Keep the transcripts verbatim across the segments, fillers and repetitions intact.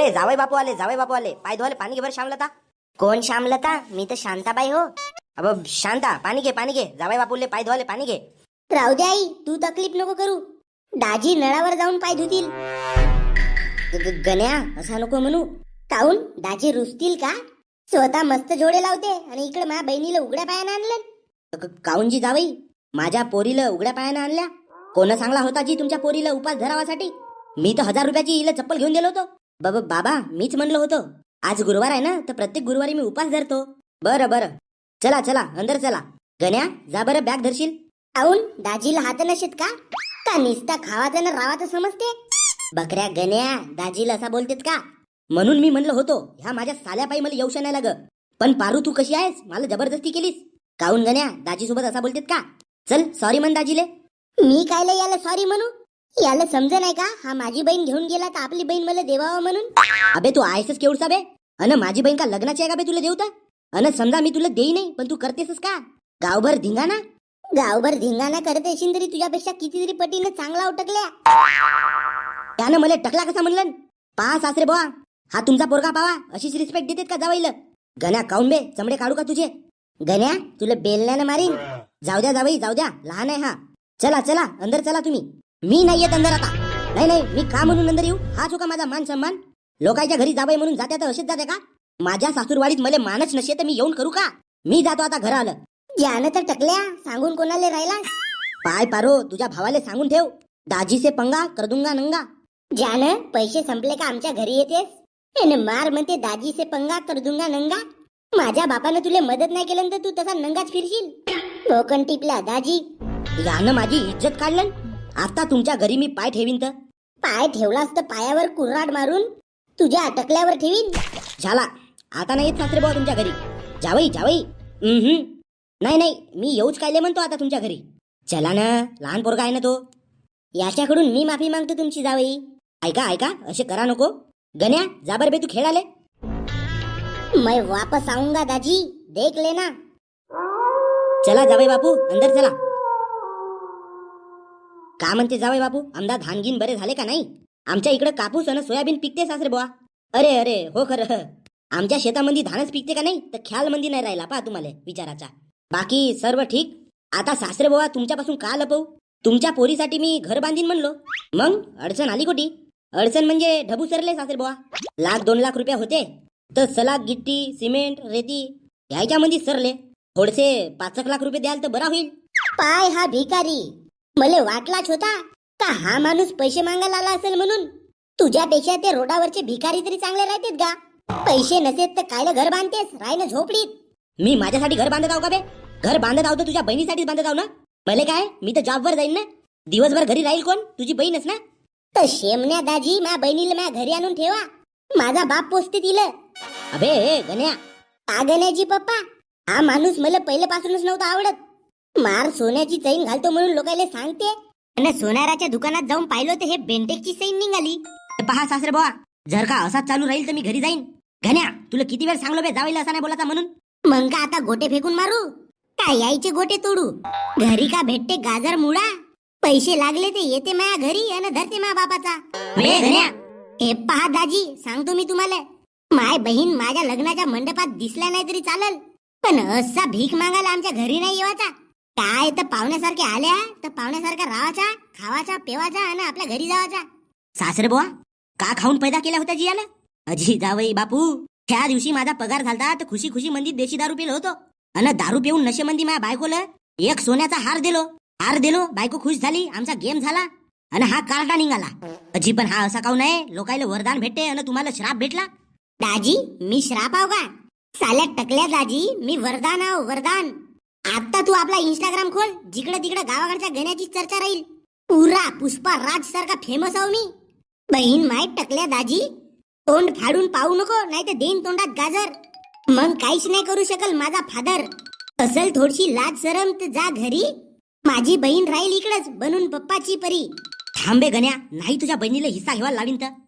ए जावई बापू आले, जावई बापू आले. पाय धुवाले पाणी घे बरं श्यामलता. कोण श्यामलता? मी तर शांताबाई हो. अब शांता पाणी घे, पाणी घे. जावई बापूले पाय धुवाले पाणी घे. राहू दे आई, तू तकलीफ नको करू. दाजी नळावर जाऊन पाय धुतील. ग- ग- गण्या असा नको म्हणू. काऊन दाजी रुसतील का? स्वतः मस्त जोडे लावते आणि इकडे माझ्या बहिणीला उघड्या पायानं आणलं. क- काऊनजी जावई, माझ्या पोरीला उघड्या पायानं आणल्या? कोण सांगला होता जी तुमच्या पोरीला उपास धरावासाठी? मी तर हजार रुपयाची हिला चप्पल घेऊन दिलो होतो. बाबा बाबा मीच म्हणलं होतं आज गुरुवार आहे ना, तर प्रत्येक गुरुवारी मी उपास धरतो. बरं बरं, चला चला अंदर चला. गण्या जा बरं, बॅग धरशील. काऊन दाजीला हात नशेत का? का निस्ता खावाचं ना रावाचं समजते? बकऱ्या गण्या दाजीला असा बोलतेत का? म्हणून मी म्हणलं होतो ह्या माझ्या साल्यापायी मला येऊ नाही लाग. पण पारू तू कशी आहेस, मला जबरदस्ती केलीस. काऊन गण्या दाजी सोबत असा बोलतेत का? चल सॉरी म्हण दाजीले. मी कायला याला सॉरी म्हणू? याला समज नाही का हा माझी बहीण घेऊन गेला तर आपली बहीण मला देवावं म्हणून? अबे तू आहेसच केवढसा बे. अन माझी बहीण का लग्नाची आहे का बे तुला देऊ तर? अन समजा मी तुला देई नाही पण तू करतेसच का? गावभर धिंगाणा. गावभर धिंगाणा करत असेल तरी तुझ्यापेक्षा कितीतरी पटीने चांगला उटकल्या. त्यानं मला टकला कसा म्हणलं? पहा सासरे बुवा, हा तुमचा पोरगा पावा, अशीच रिस्पेक्ट देतेत का जावईला? गण्या काऊन बे, चमडे काढू का तुझे? गण्या तुला बेलण्यानं मारीन. जाऊ द्या जावई जाऊ द्या, लहान आहे हा. चला चला अंदर चला तुम्ही. मी नाही येत अंदर आता. नाही नाही, मी का म्हणून अंदर येऊ? हा चुका माझा मान सन्मान. लोकांच्या घरी जावई म्हणून जात्या तर असेच जाते का? माझ्या सासूरवाडीत मला मानच नसे तर मी येऊन करू का? मी जातो आता घर आलं. ज्यानं तर टकल्या सांगून कोणाला राहिला? पाय पारो, तुझ्या भावाले सांगून ठेव, दाजी से पंगा कर दूंगा नंगा. ज्यानं पैसे संपले का आमच्या घरी येतेस आणि मार म्हणते दाजी से पंगा कर दूंगा नंगा. माझ्या बापानं तुला मदत नाही केलं तर तू तसा नंगाच फिरशील. कोकण टिपला दाजी. यानं माझी इज्जत काढलं. आता तुमच्या घरी मी पाय ठेवीन तर पाय ठेवलास तर पायावर कुऱ्हाड मारून तुझ्या अटकल्यावर ठेवीन. झाला. आता नाही येत सासरे बुवा तुमच्या घरी. जावई जावई हम्म नाही नाही, मी येऊच कायले म्हणतो आता तुमच्या घरी. चला ना, लहान पोरगा आहे ना तो. याच्याकडून मी माफी मागतो तुमची जावई. ऐका ऐका, असे करा नको. गण्या जा बरं बे, तू खेळाले. मैं वापस आऊंगा दाजी, देख लेना. चला जावई बापू अंदर चला. का म्हणते जावई बापू, आमदा धानगीन बरे झाले का नाही? आमच्या इकडे कापूस आणि सोयाबीन पिकते सासरे बुवा. अरे अरे हो खरं, आमच्या शेतामध्ये धानच पिकते का नाही तर ख्याल मंदी नाही राहिला पा तुम्हाला विचाराचा. बाकी सर्व ठीक. आता सासरे बुवा तुमच्यापासून का लपवू? तुमच्या पोरीसाठी मी घर बांधीन म्हणलो. मग अडचण आली कोटी? अडचण म्हणजे ढबू सरले सासरे बुवा. लाख दोन लाख रुपये होते तर सलाग गिट्टी सिमेंट रेती ह्याच्यामध्ये सरले. थोडेसे पाच एक लाख रुपये द्याल तर बरा होईल. पाय हा भिकारी, मला वाटलाच होता का हा माणूस पैसे मागायला आला असेल म्हणून. तुझ्यापेक्षा ते रोडावरचे भिकारी तरी चांगले राहतेत का? पैसे नसेत तर कायला घर बांधतेस, राय ना झोपडीत. मी माझ्यासाठी घर बांधत आहो का बे? घर बांधत आहो तर तुझ्या बहिणीसाठीच बांधत आहो ना. भले काय, मी तर जॉबवर जाईन ना. दिवसभर घरी राहील कोण? तुझी बहीणच ना. तर शेमण्या दाजी माझ्या बहिणीला माझ्या घरी आणून ठेवा. माझा बाप पोचते तिला. अबे ए, गण्या का गण्याची पप्पा? हा माणूस मला पहिल्यापासूनच नव्हता आवडत. मार सोन्याची चैन घालतो म्हणून लोकांना सांगते आणि सोनाराच्या दुकानात जाऊन पाहिलं तर हे बेंटेकची चैन निघाली. पहा सासरे बुवा, जर का असाच चालू राहील तर मी घरी जाईन. गण्या तुला किती वेळ सांगलो बे जावईला असा नाही बोलायचा म्हणून. मग का आता गोटे फेकून मारू का? यायचे गोटे तोडू? घरी का भेटते गाजर मुळा? पैसे लागले ते येते माझ्या घरी आणि धरते माझ्या बापाचा. बे गण्या, हे पहा दाजी, सांगतो मी तुम्हाला, माय बहीण माझ्या लग्नाच्या मंडपात दिसल्या नाही तरी चालल, पण असा भीक मागायला आमच्या घरी नाही येवाचा. काय तर पाहुण्यासारखे आल्या तर पाहुण्यासारखा राहायचा, खावाचा पेवाचा आणि आपल्या घरी जावाचा. सासरे बुवा का खाऊन पैदा केला होता जियाला? अजी जावई बापू, त्या दिवशी माझा पगार झालता तर खुशी खुशी मंदी देशी दारू पिलो होतो आणि दारू पिऊन नशेमंदी माझ्या बायकोला एक सोन्याचा हार दिलो. हार दिलो, बायको खुश झाली, आमचा गेम झाला आणि हा कार्टा निघाला. अजी पण हा असा काऊन आहे? लोकायला वरदान भेटते आणि तुम्हाला श्राप भेटला. दाजी मी श्राप आहो का? साल्या टकल्या दाजी, मी वरदान आहो वरदान. आता तू आपला इंस्टाग्राम खोल, जिकडे तिकडे गावाकडच्या गण्याची चर्चा राहील. पुरा पुष्पा राज सारखा फेमस आहो मी. बहीण माय टकल्या दाजी, तोंड फाडून पाहू नको, नाही तर देईन तोंडात गाजर. मग काहीच नाही करू शकल माझा फादर. असल थोडीशी लाज शरम तर जा घरी. माझी बहीण राहील इकडच बनून पप्पाची परी. थांबे गण्या, नाही तुझ्या बहिणीला हिस्सा घ्यावा लावीन तर.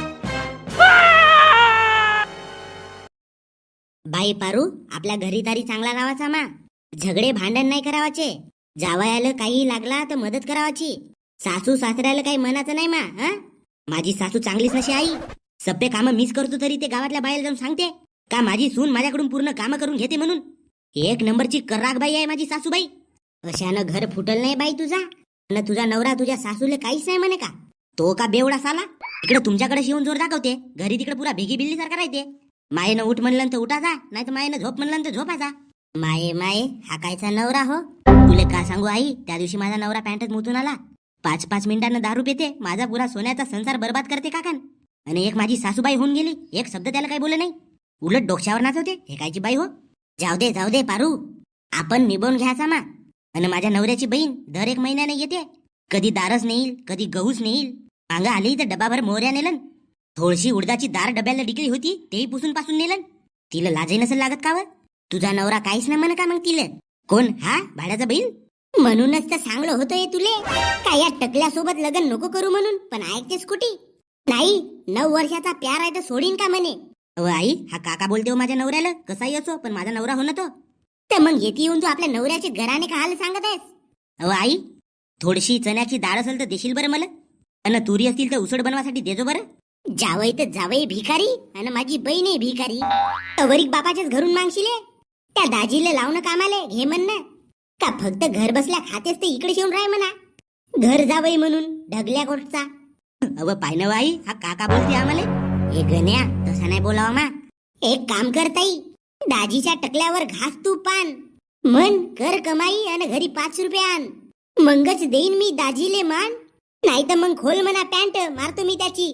बाई पारू, आपल्या घरी तारी चांगला राहायचा मा. झगडे भांडण नाही करावाचे. जावयाला काही लागला तर मदत करावाची. सासू सासऱ्याला काही मनाचं नाही मा. हा माझी सासू चांगलीच नशी आई. सप्पे कामं मीच करतो तरी ते गावातल्या बायला जाऊन सांगते का माझी सून माझ्याकडून पूर्ण कामं करून घेते म्हणून. एक नंबरची कर्राक बाई आहे माझी सासूबाई. अशानं घर फुटल नाही बाई तुझा. न तुझा नवरा तुझ्या सासूले काहीच नाही म्हणे का? तो का बेवडा साला इकडे तुमच्याकडे येऊन जोर दाखवते, घरी तिकडे पुरा भेगी बिल्ली सारखा राहते. मायेनं उठ म्हणलं तर उठायचा, नाही तर मायेनं झोप म्हणलं तर झोपायचा. माये माये हा कायचा नवरा हो. तुले का सांगू आई, त्या दिवशी माझा नवरा पॅन्टच मुतून आला. पाच पाच मिनिटांना दारू पिते, माझा पुरा सोन्याचा संसार बर्बाद करते काकान. आणि एक माझी सासूबाई होऊन गेली, एक शब्द त्याला काही बोलले नाही, उलट डोक्यावर नाचवते. हे कायची बाई हो. जाऊ दे जाऊ दे पारू, आपण निभावून घ्यायचा मा. आणि माझ्या नवऱ्याची बहीण दर एक महिन्याने येते, कधी दारच नेईल, कधी गहूच नेईल. अंगा आली तर डबाभर मोहऱ्या नेलन. थोडीशी उडदाची दार डब्याला डिकली होती, तेही पुसून पासून नेलन. तिला लाजही नसेल लागत का व? तुझा नवरा काहीच ना म्हण का मग तिला? कोण हा भाड्याचा बैल? म्हणूनच तर सांगलं होतं तुले काय या टकल्यासोबत लग्न नको करू म्हणून. पण ऐकतेस कुठे नाही. नऊ वर्षाचा प्यार आहे तर सोडीन का म्हणे. अहो आई, हा काका बोलते हो माझ्या नवऱ्याला, कसाही असो पण माझा नवरा हो ना तो. तर मग येते येऊन तू आपल्या नवऱ्याचे घराने का हाल सांगत आहेस? अहो आई, थोडीशी चण्याची डाळ असेल तर देशील बरं मला. आणि तुरी असतील तर उसळ बनवासाठी देजो बरं. जावई तर जावई भिकारी आणि माझी बहीण भिकारी. अवरीक बापाच्याच घरून मागशिले. त्या दाजीला लावणं कामाले घे म्हणणं का फक्त घर बसल्या खातेस तर इकडे येऊन राह म्हणा. घर जावई म्हणून ढगल्या कोटचा. अव पाय ना आई, हा काका बोलते आम्हाला. हे गण्या तसा नाही बोलावा मा. एक काम करताई, दाजीच्या टकल्यावर घास तू पान मन कर कमाई आणि घरी पाच रुपये आण. मंगच देईन मी दाजीले मान. नाही तर मग खोल म्हणा पॅन्ट, मारतो मी त्याची.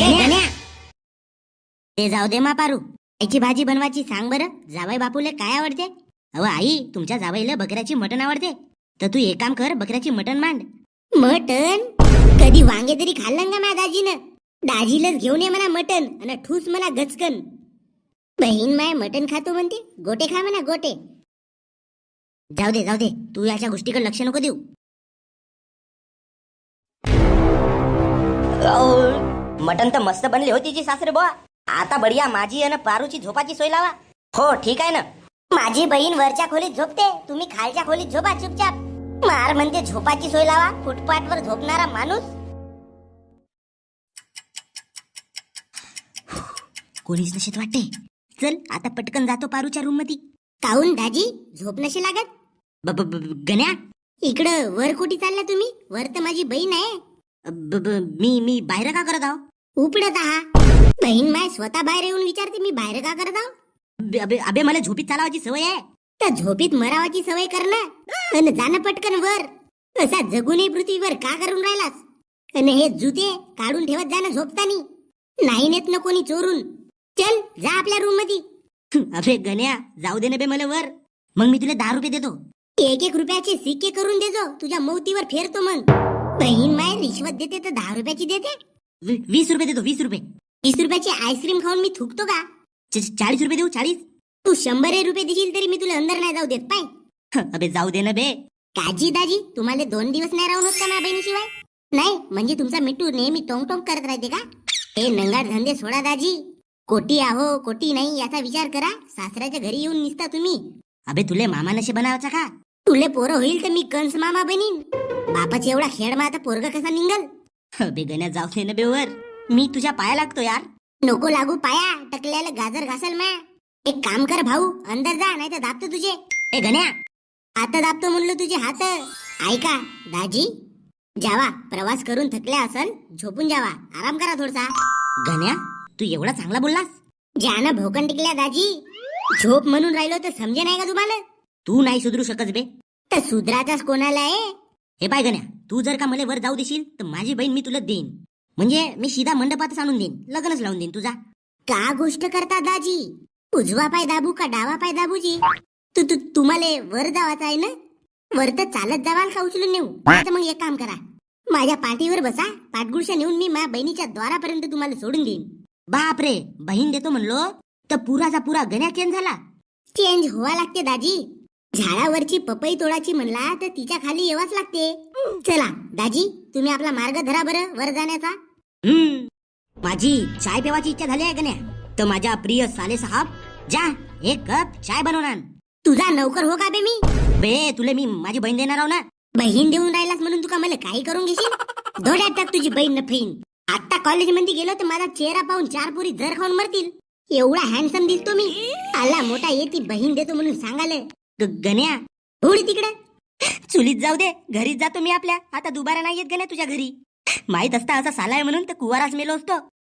ते जाऊ दे मा पारू, याची भाजी बनवायची सांग बरं. जावई बापूले काय आवडते? अव आई, तुमच्या जावईला बकऱ्याची मटण आवडते, तर तू एक काम कर, बकऱ्याची मटण मांड. मटण कधी वांगे तरी खाल्लं का माझ्या दाजीनं? दाजीलाच घेऊन ये म्हणा मटण आणि ठूस म्हणा गचकन. बहीण माय मटण खातो म्हणते, गोटे खा म्हणा गोटे. जाऊ दे जाऊ दे, तू याच्या गोष्टीकडे लक्ष नको देऊ. मटन तर मस्त बनली होती जी सासरे बुवा. आता बढिया माझी आणि पारूची झोपाची सोय लावा. हो ठीक आहे ना. माझी बहीण वरच्या खोलीत झोपते, तुम्ही खालच्या खोलीत झोपा चुपचाप. मार म्हणते झोपाची सोय लावा, फुटपाथवर झोपणारा माणूस. कोणीच नशेत वाटते. चल आता पटकन जातो पारूच्या रूम मध्ये. काहून दाजी झोप नशी लागत? ब- ब- ब- गण्या, इकडं वर कुठे चालला तुम्ही? वर तर माझी बहीण आहे. ब- ब- मी मी बाहेर का करत आहो? उपडत आहा. बहीण माय स्वतः बाहेर येऊन विचारते मी बाहेर का करत आहो. अबे- अबे अबे, मला झोपीत चालावाची सवय आहे. तर झोपीत मरावाची सवय करणं आणि जाणं पटकन वर. असा जगूनही पृथ्वीवर का करून राहिलास? आणि हे जुते काढून ठेवत जाणं झोपतानी. नाही नेत ना कोणी चोरून. चल जा आपल्या रूम मध्ये. अबे गण्या, जाऊ दे ना बे मला वर. मग मी तुला दहा रुपये देतो. एक एक रुपयाचे सिक्के करून देजो, तुझ्या मौतीवर फेरतो मग. बहीण माय रिश्वत देते तर दहा रुपयाची देते. वी- वीस रुपये देतो, वीस रुपये. वीस रुपयाची आईस्क्रीम खाऊन मी थुकतो का? च- चाळीस रुपये देऊ, चाळीस. तू शंभर रुपये देशील तरी मी तुला अंदर नाही जाऊ देत पाय. अबे जाऊ दे ना बे. काजी दाजी, तुम्हाला दोन दिवस नाही राहून होत का माझ्या बहिणीशिवाय? नाही म्हणजे तुमचा मिठू नेहमी टोंग टोंग करत राहते का? हे नंगाड धंदे सोडा दाजी. कोटी आहो कोटी नाही याचा विचार करा. सासऱ्याच्या घरी येऊन निसता तुम्ही. अबे तुले मामा नशे बनावाचा का? तुले पोरं होईल तर मी कंस मामा बनीन. बापाची एवढा खेळ मा आता पोरगा कसा निघल? अबे गण्या, जाऊ दे ना बे वर. मी तुझ्या पाया लागतो यार. नको लागू पाया, टकल्याला गाजर घासल मा. एक काम कर भाऊ, अंदर जा नाही तर दाबतो तुझे. ए गण्या, हात दाबतो म्हणलं तुझे हात. ऐका दाजी, जावा प्रवास करून थकल्या असल, झोपून जावा, आराम करा थोडसा. गण्या, तू एवढा चांगला बोललास? ज्यानं भोकन टिकल्या दाजी. झोप म्हणून राहिलो तर समजे नाही का तुम्हाला? तू नाही सुधरू शकत बे. तर सुधराचाच कोणाला आहे? हे पाय गण्या, तू जर का मला वर जाऊ देशील तर माझी बहीण मी तुला देईन. म्हणजे मी सीधा मंडपातच आणून देईन, लग्नच लावून देईन तुझा. का गोष्ट करता दाजी? उजवा पाय दाबू का डावा पाय दाबूजी? तू तू तुम्हाला वर जावाचं आहे ना? वर तर चालत जावाल का उचलून नेऊ? आता मग एक काम करा, माझ्या पाठीवर बसा, पाठगुळशा नेऊन मी माझ्या बहिणीच्या द्वारापर्यंत तुम्हाला सोडून देईन. बाप रे, बहीण देतो म्हणलो तर पुराचा पुरा गण्या चेंज झाला. चेंज व्हावा लागते दाजी. झाडावरची पपई तोडाची म्हणला तर तिच्या खाली येवाच लागते. चला दाजी, तुम्ही आपला मार्ग धरा बरं वर जाण्याचा. हम्म माझी चाय पेवाची इच्छा झाली आहे गण्या, तर माझ्या प्रिय साले साहब, जा एक कप चाय बनवून आण. तुझा नौकर हो का बे मी? बे तुले मी माझी बहीण देणार आहो ना. बहीण देऊन राहिलास म्हणून तुका मला काही करून घेशील? धोड्यात टाक तुझी बहीण न फीन. आता कॉलेजमध्ये गेलो तर माझा चेहरा पाहून चार पुरी जर खाऊन मरतील. एवढा हँडसम दिसतो मी. आला मोठा येती बहीण देतो म्हणून सांगाले. ग- गण्या थोडी तिकडे. चुलीत जाऊ दे, घरीच जातो मी आपल्या. आता दुबारा नाही येत गण्या तुझ्या घरी. माहित असता असा साला आहे म्हणून तर कुवाराच मेलो असतो.